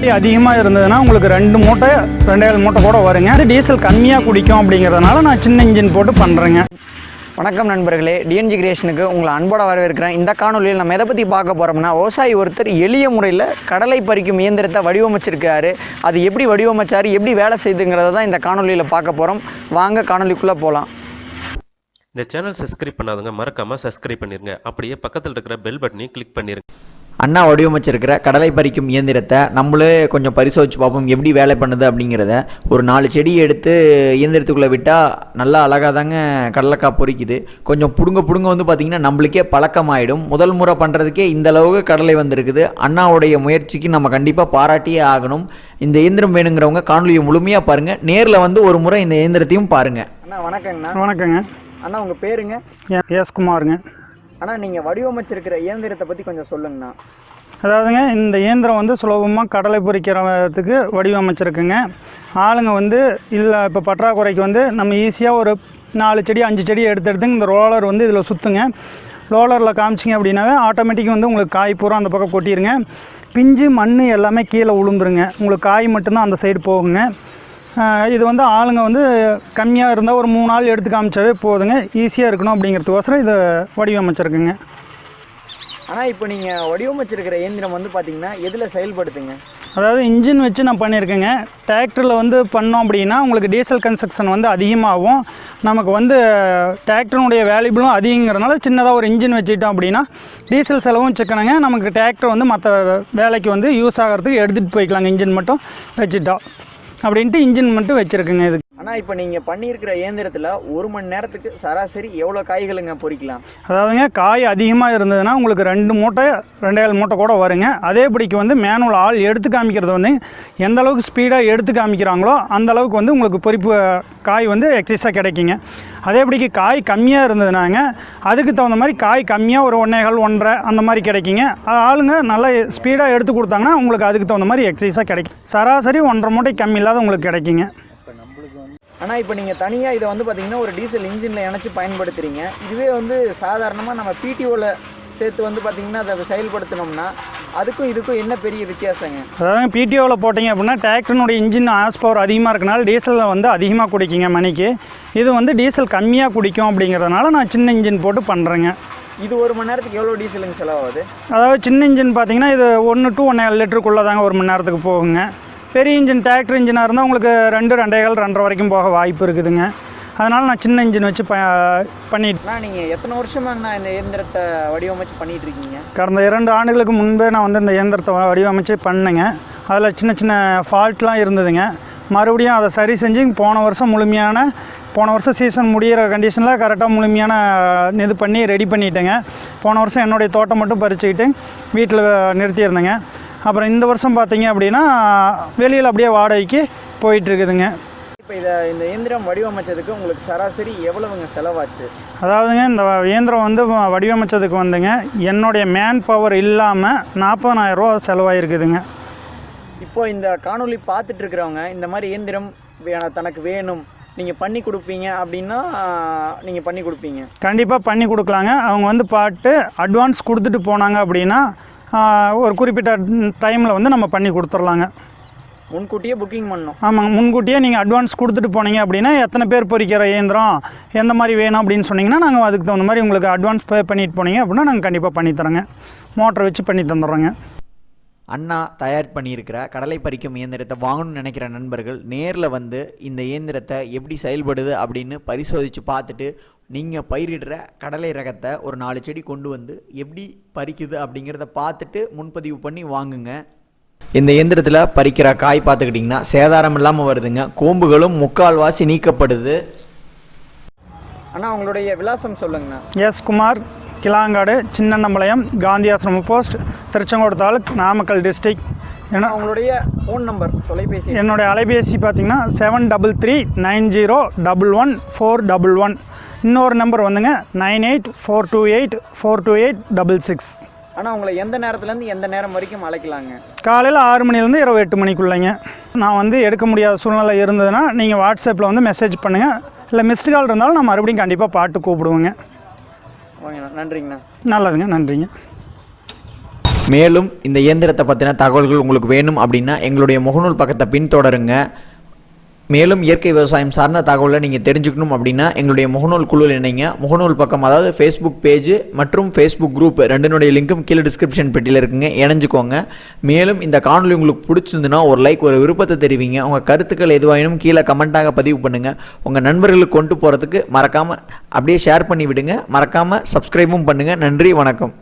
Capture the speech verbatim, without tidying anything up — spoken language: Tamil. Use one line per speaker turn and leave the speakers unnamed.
அதிகமாக இருந்ததுன்னா உங்களுக்கு ரெண்டு மூட்டை ரெண்டாயிரம் மூட்டை கூட வருங்க. அது டீசல் கம்மியாக குடிக்கும் அப்படிங்கிறதுனால நான் சின்ன இன்ஜின் போட்டு பண்ணுறேங்க.
வணக்கம் நண்பர்களே, டிஎன்ஜி கிரியேஷனுக்கு உங்களை அன்போட வரவேற்கிறேன். இந்த காணொலியில் நம்ம எதை பற்றி பார்க்க போகிறோம்னா, விவசாயி ஒருத்தர் எளிய முறையில் கடலை பறிக்கும் இயந்திரத்தை வடிவமைச்சிருக்காரு. அது எப்படி வடிவமைச்சார், எப்படி வேலை செய்யுதுங்கிறத தான் இந்த காணொலியில் பார்க்க போகிறோம். வாங்க காணொலிக்குள்ளே போகலாம்.
இந்த சேனல் சப்ஸ்கிரைப் பண்ணாதவங்க மறக்காமல் சப்ஸ்கிரைப் பண்ணிடுங்க. அப்படியே பக்கத்தில் இருக்கிற பெல் பட்டனையும் கிளிக் பண்ணிடுங்க.
அண்ணா வடிவமைச்சிருக்கிற கடலை பறிக்கும் இயந்திரத்தை நம்மளே கொஞ்சம் பரிசோதிச்சு பார்ப்போம் எப்படி வேலை பண்ணுது அப்படிங்கிறத. ஒரு நாலு செடி எடுத்து இயந்திரத்துக்குள்ளே விட்டால் நல்லா அழகாக தாங்க கடலைக்காய் பொறிக்குது. கொஞ்சம் பிடுங்க பிடுங்க வந்து பார்த்திங்கன்னா நம்மளுக்கே பழக்கமாயிடும். முதல் முறை பண்ணுறதுக்கே இந்த அளவுக்கு கடலை வந்திருக்குது. அண்ணாவுடைய முயற்சிக்கு நம்ம கண்டிப்பாக பாராட்டியே ஆகணும். இந்த இயந்திரம் வேணுங்கிறவங்க காணொலியை முழுமையாக பாருங்கள். நேரில் வந்து ஒரு முறை இந்த இயந்திரத்தையும் பாருங்கள்.
அண்ணா வணக்கங்கண்ணா.
வணக்கங்க
அண்ணா, உங்கள் பேருங்க?
எஸ் குமாருங்க.
ஆனால் நீங்கள் வடிவமைச்சிருக்கிற இயந்திரத்தை பற்றி கொஞ்சம் சொல்லுங்கண்ணா.
அதாவதுங்க, இந்த இயந்திரம் வந்து சுலபமாக கடலை பொறிக்கிறதுக்கு வடிவமைச்சிருக்குங்க. ஆளுங்க வந்து இல்லை இப்போ பற்றாக்குறைக்கு வந்து நம்ம ஈஸியாக ஒரு நாலு செடி அஞ்சு செடி எடுத்து எடுத்துங்க இந்த ரோலர் வந்து இதில் சுற்றுங்க. ரோலரில் காமிச்சிங்க அப்படின்னாவே ஆட்டோமேட்டிக்காக வந்து உங்களுக்கு காய் பூரா அந்த பக்கம் கொட்டிடுங்க. பிஞ்சு மண் எல்லாமே கீழே உளுந்துருங்க. உங்களுக்கு காய் மட்டும்தான் அந்த சைடு போகுங்க. இது வந்து ஆளுங்க வந்து கம்மியாக இருந்தால் ஒரு மூணு நாள் எடுத்து காமிச்சாவே போதுங்க. ஈஸியாக இருக்கணும் அப்படிங்கிறதுக்கோசரம் இதை வடிவமைச்சிருக்குங்க.
ஆனால் இப்போ நீங்கள் வடிவமைச்சிருக்கிற இயந்திரம் வந்து பார்த்திங்கன்னா எதில் செயல்படுத்துங்க?
அதாவது இன்ஜின் வச்சு நான் பண்ணியிருக்கேங்க. டிராக்டரில் வந்து பண்ணோம் அப்படின்னா உங்களுக்கு டீசல் கன்ஸ்ட்ரக்ஷன் வந்து அதிகமாகும். நமக்கு வந்து டிராக்டருடைய வேல்யூபிளும் அதிகங்கிறதுனால சின்னதாக ஒரு இன்ஜின் வச்சுக்கிட்டோம் அப்படின்னா டீசல் செலவும் சிக்கணுங்க. நமக்கு டிராக்டர் வந்து மற்ற வேலைக்கு வந்து யூஸ் ஆகிறதுக்கு எடுத்துகிட்டு போய்க்கலாங்க. இன்ஜின் மட்டும் வச்சுட்டோம் அப்படின்ட்டு இன்ஜின் மட்டும் வச்சுருக்குங்க இதுக்கு.
ஆனால் இப்போ நீங்கள் பண்ணியிருக்கிற இயந்திரத்தில் ஒரு மணி நேரத்துக்கு சராசரி எவ்வளோ காய்களுங்க பொறிக்கலாம்?
அதாவதுங்க, காய் அதிகமாக இருந்ததுன்னா உங்களுக்கு ரெண்டு மூட்டை ரெண்டாயிரம் மூட்டை கூட வருங்க. அதேபடிக்கு வந்து மேனுவல் ஆள் எடுத்து காமிக்கிறது வந்து எந்த அளவுக்கு ஸ்பீடாக எடுத்து காமிக்கிறாங்களோ அந்த அளவுக்கு வந்து உங்களுக்கு பொறிப்பு காய் வந்து எக்ஸஸாக கிடைக்குங்க. அதேபடிக்கு காய் கம்மியாக இருந்ததுனாங்க அதுக்கு தகுந்த மாதிரி காய் கம்மியாக ஒரு ஒன்றேகால் ஒன்றரை அந்த மாதிரி கிடைக்குங்க. ஆளுங்க நல்லா ஸ்பீடாக எடுத்து கொடுத்தாங்கன்னா உங்களுக்கு அதுக்கு தகுந்த மாதிரி எக்ஸஸாக கிடைக்கும். சராசரி ஒன்றரை மூட்டை கம்மி இல்லாத உங்களுக்கு கிடைக்குங்க.
ஆனால் இப்போ நீங்கள் தனியாக இதை வந்து பார்த்திங்கன்னா ஒரு டீசல் இன்ஜினில் இணைச்சி பயன்படுத்துகிறீங்க. இதுவே வந்து சாதாரணமாக நம்ம பிடிஓவில் சேர்த்து வந்து பார்த்திங்கன்னா அதை செயல்படுத்தினோம்னா அதுக்கும் இதுக்கும் என்ன பெரிய வித்தியாசங்க?
அதாவது பிடிஓவில் போட்டிங்க அப்படின்னா டிராக்டர்னுடைய இன்ஜின் ஆஸ் பவர் அதிகமாக இருக்கனால டீசலில் வந்து அதிகமாக குடிக்குங்க மணிக்கு. இது வந்து டீசல் கம்மியாக குடிக்கும் அப்படிங்கிறதுனால நான் சின்ன இன்ஜின் போட்டு பண்ணுறேங்க.
இது ஒரு மணி நேரத்துக்கு எவ்வளோ டீசலுங்க செலவாகுது?
அதாவது சின்ன இன்ஜின் பார்த்திங்கன்னா இது ஒன்று டு ஒன்றே லிட்டருக்குள்ளே தாங்க ஒரு மணி நேரத்துக்கு போகுங்க. பெரிய இன்ஜின் டிராக்டர் இன்ஜினாக இருந்தால் உங்களுக்கு ரெண்டு ரெண்டேகால் ரெண்டரை வரைக்கும் போக வாய்ப்பு இருக்குதுங்க. அதனால் நான் சின்ன இன்ஜின் வச்சு ப பண்ணிட்டு.
நீங்கள் எத்தனை வருஷமாங்கண்ணா இந்த இயந்திரத்தை வடிவமைச்சு பண்ணிகிட்டு இருக்கீங்க?
கடந்த இரண்டு ஆண்டுகளுக்கு முன்பே நான் வந்து இந்த இயந்திரத்தை வடிவமைச்சு பண்ணேங்க. அதில் சின்ன சின்ன ஃபால்ட்லாம் இருந்ததுங்க. மறுபடியும் அதை சரி செஞ்சு போன வருஷம் முழுமையான போன வருஷம் சீசன் முடிகிற கண்டிஷனில் கரெக்டாக முழுமையான இது பண்ணி ரெடி பண்ணிட்டேங்க. போன வருஷம் என்னுடைய தோட்டம் மட்டும் பறிச்சுக்கிட்டு வீட்டில் நிறுத்தியிருந்தேங்க. அப்புறம் இந்த வருஷம் பார்த்தீங்க அப்படின்னா வெளியில் அப்படியே வாடகைக்கு போயிட்டுருக்குதுங்க.
இப்போ இதை இந்த இயந்திரம் வடிவமைச்சதுக்கு உங்களுக்கு சராசரி எவ்வளவுங்க செலவாச்சு?
அதாவதுங்க, இந்த இயந்திரம் வந்து வடிவமைச்சதுக்கு வந்துங்க என்னுடைய மேன் பவர் இல்லாமல் நாற்பதாயிரரூவா செலவாயிருக்குதுங்க.
இப்போ இந்த காணொலி பார்த்துட்டு இருக்கிறவங்க இந்த மாதிரி இயந்திரம் தனக்கு வேணும் நீங்கள் பண்ணி கொடுப்பீங்க அப்படின்னா நீங்கள் பண்ணி கொடுப்பீங்க?
கண்டிப்பாக பண்ணி கொடுக்கலாங்க. அவங்க வந்து பாட்டு அட்வான்ஸ் கொடுத்துட்டு போனாங்க அப்படின்னா ஒரு குறிப்பிட்ட டைமில் வந்து நம்ம பண்ணி கொடுத்துர்லாங்க.
முன்கூட்டியே புக்கிங் பண்ணணும்?
ஆமாங்க, முன்கூட்டியே நீங்கள் அட்வான்ஸ் கொடுத்துட்டு போனீங்க அப்படின்னா எத்தனை பேர் பொறிக்கிற இயந்திரம் எந்த மாதிரி வேணும் அப்படின்னு சொன்னிங்கன்னா நாங்கள் அதுக்கு தகுந்த மாதிரி உங்களுக்கு அட்வான்ஸ் பே பண்ணிட்டு போனீங்க அப்படின்னா நாங்கள் கண்டிப்பாக பண்ணித்தரோங்க. மோட்டரை வச்சு பண்ணி தந்துடுறோங்க.
அண்ணா தயார் பண்ணியிருக்கிற கடலை பறிக்கும் இயந்திரத்தை வாங்கணும்னு நினைக்கிற நண்பர்கள் நேரில் வந்து இந்த இயந்திரத்தை எப்படி செயல்படுது அப்படின்னு பரிசோதித்து பார்த்துட்டு நீங்கள் பயிரிடுற கடலை ரகத்தை ஒரு நாலு செடி கொண்டு வந்து எப்படி பறிக்குது அப்படிங்கிறத பார்த்துட்டு முன்பதிவு பண்ணி வாங்குங்க. இந்த இயந்திரத்தில் பறிக்கிற காய் பார்த்துக்கிட்டிங்கன்னா சேதாரம் இல்லாமல் வருதுங்க. கோம்புகளும் முக்கால்வாசி நீக்கப்படுது.
அண்ணா, உங்களுடைய விலாசம் சொல்லுங்கண்ணா.
எஸ் குமார், கிளாங்காடு, சின்னம்பளையம், காந்தி ஆசிரம போஸ்ட், திருச்செங்கோடு தாலுக், நாமக்கல் டிஸ்ட்ரிக்ட். ஏன்னா
உங்களுடைய ஃபோன் நம்பர், தொலைபேசி?
என்னுடைய அலைபேசி பார்த்தீங்கன்னா seven double three nine zero double one four double one. இன்னொரு நம்பர் வந்துங்க nine eight four two eight four two eight double six.
ஆனால் உங்களை எந்த நேரத்துலேருந்து எந்த நேரம் வரைக்கும் அழைக்கலாங்க?
காலையில் ஆறு மணிலேருந்து இரவு எட்டு மணிக்குள்ளேங்க. நான் வந்து எடுக்க முடியாத சூழ்நிலை இருந்ததுன்னா நீங்கள் வாட்ஸ்அப்பில் வந்து மெசேஜ் பண்ணுங்கள். இல்லை மிஸ்டு கால் இருந்தாலும் நான் மறுபடியும் கண்டிப்பாக பாட்டு கூப்பிடுவேங்க.
ஓகேண்ணா, நன்றிங்கண்ணா.
நல்லதுங்க, நன்றிங்க.
மேலும் இந்த இயந்திரத்தை பற்றின தகவல்கள் உங்களுக்கு வேணும் அப்படின்னா எங்களுடைய முகநூல் பக்கத்தை பின்தொடருங்க. மேலும் இயற்கை விவசாயம் சார்ந்த தகவலை நீங்கள் தெரிஞ்சுக்கணும் அப்படின்னா எங்களுடைய முகநூல் குழுவில் இணைங்க. முகநூல் பக்கம் அதாவது ஃபேஸ்புக் பேஜ் மற்றும் ஃபேஸ்புக் குரூப் ரெண்டினுடைய லிங்க்கும் கீழே டிஸ்கிரிப்ஷன் பெட்டியில் இருக்குங்க, இணைஞ்சுக்கோங்க. மேலும் இந்த காணொலி உங்களுக்கு பிடிச்சிருந்துன்னா ஒரு லைக், ஒரு விருப்பத்தை தெரிவிங்க. உங்கள் கருத்துக்கள் எதுவாயினும் கீழே கமெண்ட்டாக பதிவு பண்ணுங்கள். உங்கள் நண்பர்களுக்கு கொண்டு போகிறதுக்கு மறக்காமல் அப்படியே ஷேர் பண்ணி விடுங்க. மறக்காமல் சப்ஸ்கிரைபும் பண்ணுங்கள். நன்றி, வணக்கம்.